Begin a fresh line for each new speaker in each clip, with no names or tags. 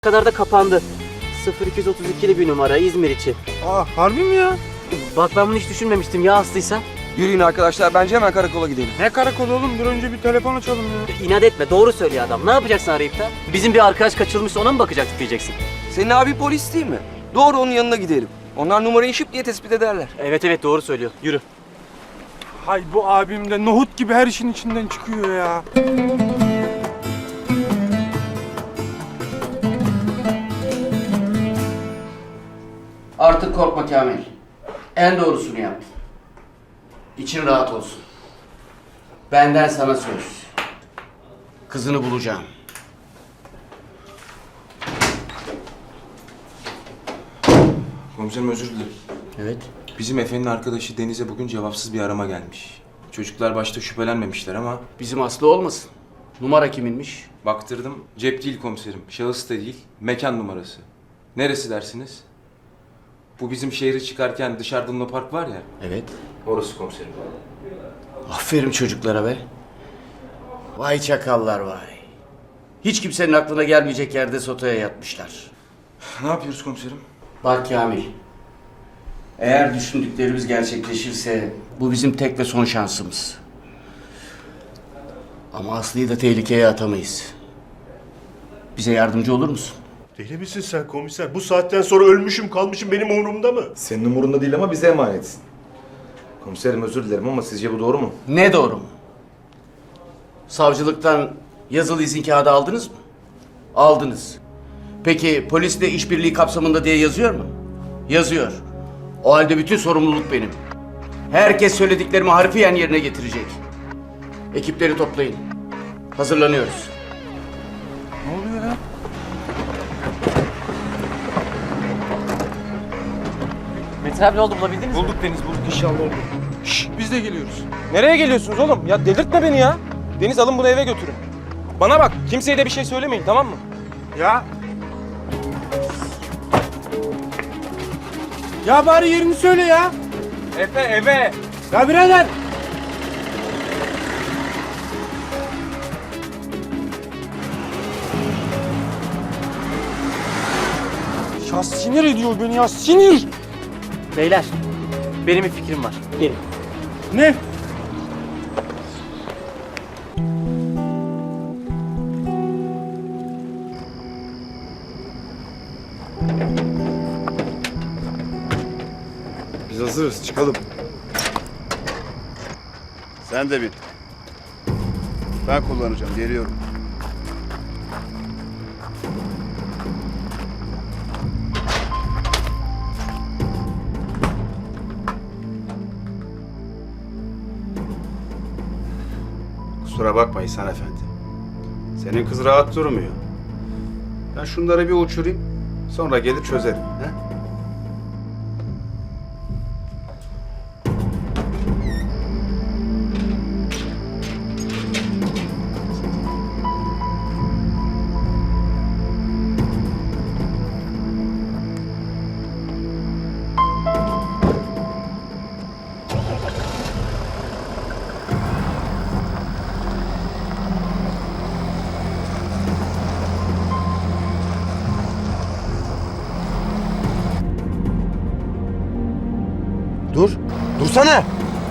kadar da kapandı. 0232'li bir numara İzmir için.
Aa, harbi mi ya?
Bak ben bunu hiç düşünmemiştim ya aslıysa.
Yürüyün arkadaşlar, bence hemen karakola gidelim.
Ne karakolu oğlum? Dur önce bir telefon açalım ya.
İnat etme, doğru söylüyor adam. Ne yapacaksın arayıp da? Bizim bir arkadaş kaçırılmışsa ona mı bakacaktık diyeceksin.
Senin abi polis değil mi? Doğru, onun yanına gidelim. Onlar numarayı şıp diye tespit ederler.
Evet doğru söylüyor. Yürü.
Hay bu abim de nohut gibi her işin içinden çıkıyor ya.
Artık korkma Kamil. En doğrusunu yap. İçin rahat olsun. Benden sana söz. Kızını bulacağım.
Komiserim özür dilerim.
Evet.
Bizim Efe'nin arkadaşı Deniz'e bugün cevapsız bir arama gelmiş. Çocuklar başta şüphelenmemişler ama
Bizim Aslı olmasın. Numara kiminmiş?
baktırdım. Cep değil komiserim. Şahıs da değil. Mekan numarası. Neresi dersiniz? Bu bizim şehre çıkarken dışarıda Luna Park var ya.
Evet.
Orası komiserim.
Aferin çocuklara be. Vay çakallar vay. Hiç kimsenin aklına gelmeyecek yerde sotaya yatmışlar.
Ne yapıyoruz komiserim?
Bak Kamil. Eğer düşündüklerimiz gerçekleşirse bu bizim tek ve son şansımız. Ama Aslı'yı da tehlikeye atamayız. Bize yardımcı olur musun?
Deli misin sen komiser? Bu saatten sonra ölmüşüm kalmışım benim umurumda mı?
Senin umurunda değil ama bize emanetsin. Komiserim özür dilerim ama sizce bu doğru mu?
Ne doğru mu? Savcılıktan yazılı izin kağıdı aldınız mı? Aldınız. Peki polisle işbirliği kapsamında diye yazıyor mu? Yazıyor. O halde bütün sorumluluk benim. Herkes söylediklerimi harfiyen yerine getirecek. Ekipleri toplayın. Hazırlanıyoruz.
Ne oluyor ya?
Metin abi ne oldu, bulabildiniz mi?
Bulduk Deniz, bulduk inşallah oldu. Şşş, biz de geliyoruz.
Nereye geliyorsunuz oğlum? Ya delirtme beni ya. Deniz alın bunu eve götürün. Bana bak, kimseye de bir şey söylemeyin, tamam mı?
Ya. Ya bari yerini söyle ya.
Efe eve.
Ya birader. Ya sinir ediyor beni ya, sinir.
Beyler, benim bir fikrim var. Gelin.
Ne?
Biz hazırız, çıkalım.
Sen de bin. Ben kullanacağım, geliyorum. Kusura bakma İhsan Efendi. Senin kız rahat durmuyor. Ben şunları bir uçurayım, sonra gelir çözerim. He?
Dur, dursana!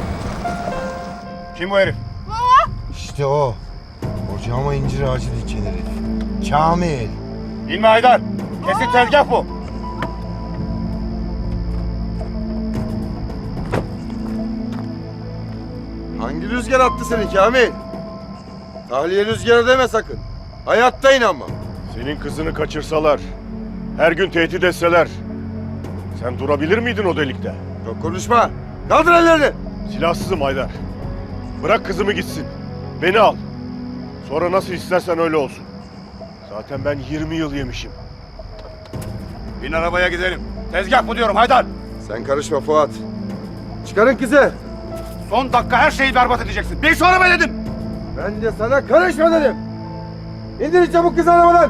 Kim bu herif?
İşte o. Ocağıma incir ağacı diken herif. Kamil.
İnme Haydar! Kesin tezgah bu!
Hangi rüzgar attı seni Kamil? Tahliye rüzgarı deme sakın. Hayatta inanmam.
Senin kızını kaçırsalar, her gün tehdit etseler, sen durabilir miydin o delikte?
Çok konuşma. Kaldır ellerini.
Silahsızım Haydar. Bırak kızımı gitsin. Beni al. Sonra nasıl istersen öyle olsun. Zaten ben 20 yıl yemişim.
Bin arabaya gidelim. Tezgah bu diyorum Haydar!
Sen karışma Fuat. Çıkarın kızı.
Son dakika her şeyi berbat edeceksin. Bin şu arabaya dedim!
Ben de sana karışma dedim. İndirin çabuk kızı arabadan.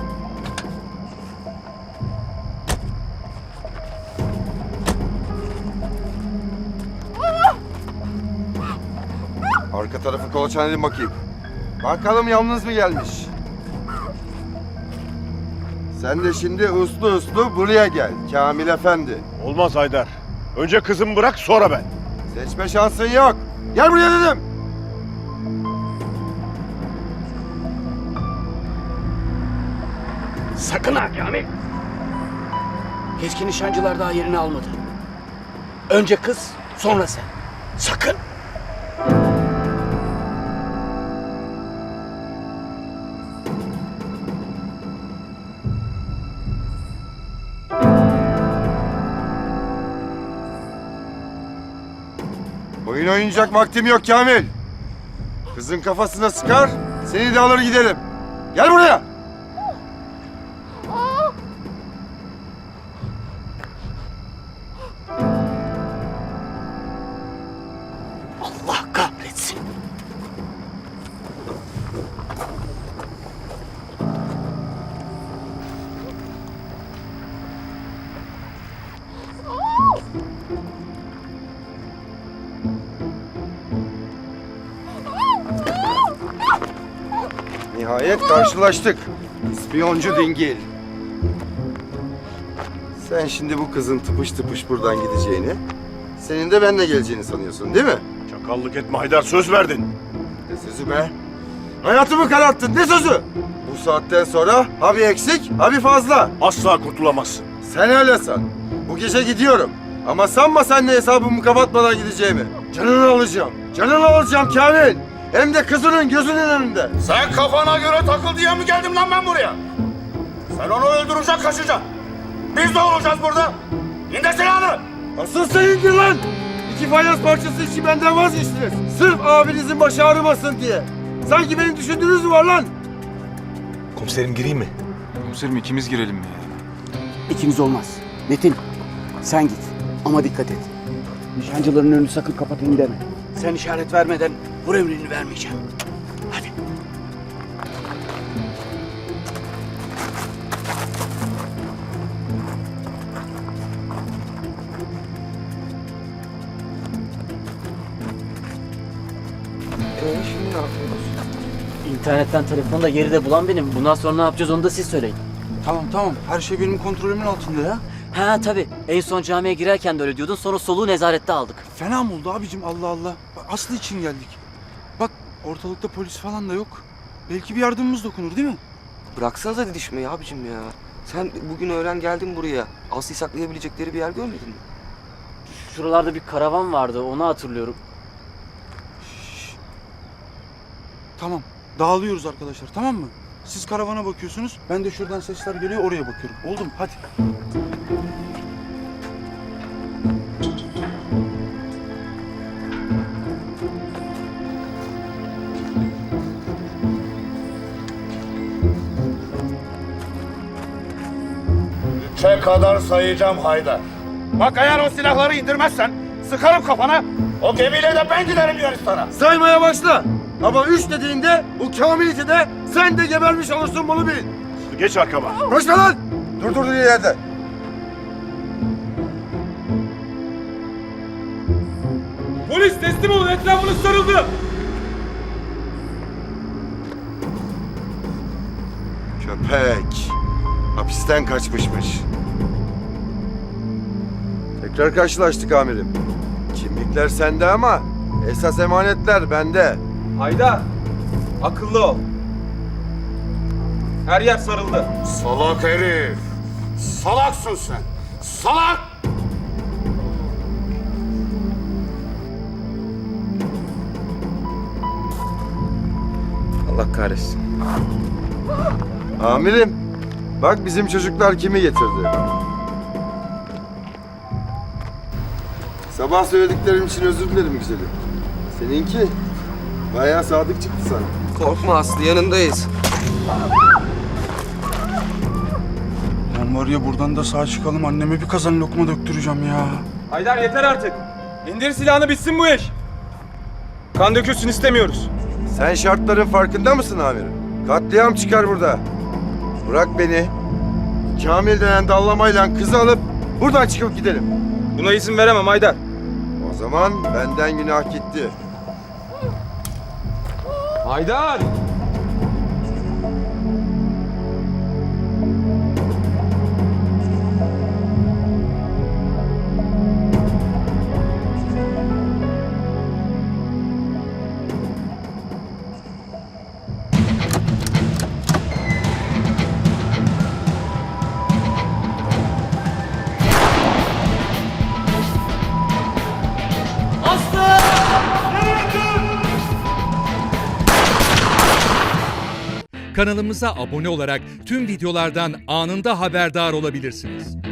Arka tarafı kolaçan edin bakayım. Bakalım yalnız mı gelmiş? Sen de şimdi uslu uslu buraya gel Kamil Efendi.
Olmaz Haydar. Önce kızımı bırak sonra ben.
Seçme şansın yok. Gel buraya dedim.
Sakın ha Kamil. Keskin nişancılar daha yerini almadı. Önce kız, sonra sen. Sakın.
Oyun oynayacak vaktim yok Kamil. Kızın kafasına sıkar, seni de alır gidelim. Gel buraya.
Allah kahretsin.
Nihayet karşılaştık. İspiyoncu dingil. Sen şimdi bu kızın tıpış tıpış buradan gideceğini, senin de benimle geleceğini sanıyorsun değil mi?
Çakallık etme Haydar, söz verdin.
Ne sözü be? Hayatımı kararttın, ne sözü? Bu saatten sonra ha bir eksik, ha bir fazla.
Asla kurtulamazsın.
Sen öyle san. Bu gece gidiyorum. Ama sanma seninle hesabımı kapatmadan gideceğimi. Canını alacağım. Canını alacağım Kamil. Hem de kızının gözünün önünde.
Sen kafana göre takıl diye mi geldim lan ben buraya? Sen onu öldürecek, kaçacaksın. Biz ne olacağız burada? İndir silahını.
Asıl sen indir lan. 2 fayans parçası için benden vazgeçtiniz. Sırf abinizin başı ağrımasın diye. Sanki benim düşündüğünüz mü var lan?
Komiserim gireyim mi?
Komiserim ikimiz girelim mi?
İkimiz olmaz. Metin, sen git. Ama dikkat et. Nişancıların önünü sakın kapatın deme. Sen işaret vermeden vur emrini vermeyeceğim. Hadi.
Şimdi ne yapıyoruz?
İnternetten telefonu da geride bulan benim. Bundan sonra ne yapacağız onu da siz söyleyin.
Tamam. Her şey benim kontrolümün altında ya.
Ha tabii. En son camiye girerken de öyle diyordun. Sonra soluğu nezarette aldık.
Fena mı oldu abicim Allah Allah. Bak, Aslı için geldik. Bak ortalıkta polis falan da yok. Belki bir yardımımız dokunur değil mi?
Bıraksanıza didişmeyi abicim ya. Sen bugün öğlen geldin buraya. Aslı'yı saklayabilecekleri bir yer görmedin mi?
Şuralarda bir karavan vardı. Onu hatırlıyorum.
Tamam. Dağılıyoruz arkadaşlar tamam mı? Siz karavana bakıyorsunuz. Ben de şuradan sesler geliyor oraya bakıyorum. Oldu mu? Hadi.
Üçe kadar sayacağım Haydar. Bak eğer o silahları indirmezsen sıkarım kafana. O gemiyle de ben giderim Yunanistan'a.
Saymaya başla. Ama 3 dediğinde bu Kamil'i de sen de gebermiş olursun bunu bil.
Geç arkama.
Koşma lan. Dur yerde.
Polis teslim olun etrafınız sarıldı.
Köpek. Hapisten kaçmışmış. Tekrar karşılaştık amirim. Kimlikler sende ama esas emanetler bende.
Haydar, akıllı ol. Her yer sarıldı.
Salak herif. Salaksın sen. Salak!
Allah kahretsin.
Amirim, bak bizim çocuklar kimi getirdi. Sabah söylediklerim için özür dilerim güzelim. Seninki bayağı sadık çıktı sana.
Korkma Aslı, yanındayız.
Lan var ya buradan da sağ çıkalım anneme bir kazan lokma döktüreceğim ya.
Haydar yeter artık. İndir silahını, bitsin bu iş. Kan dökülsün istemiyoruz.
Sen şartların farkında mısın amirim? Katliam çıkar burada. Bırak beni. Kamil denen dallamayla kızı alıp buradan çıkıp gidelim.
Buna izin veremem Haydar.
O zaman benden günah gitti.
Haydar!
Kanalımıza abone olarak tüm videolardan anında haberdar olabilirsiniz.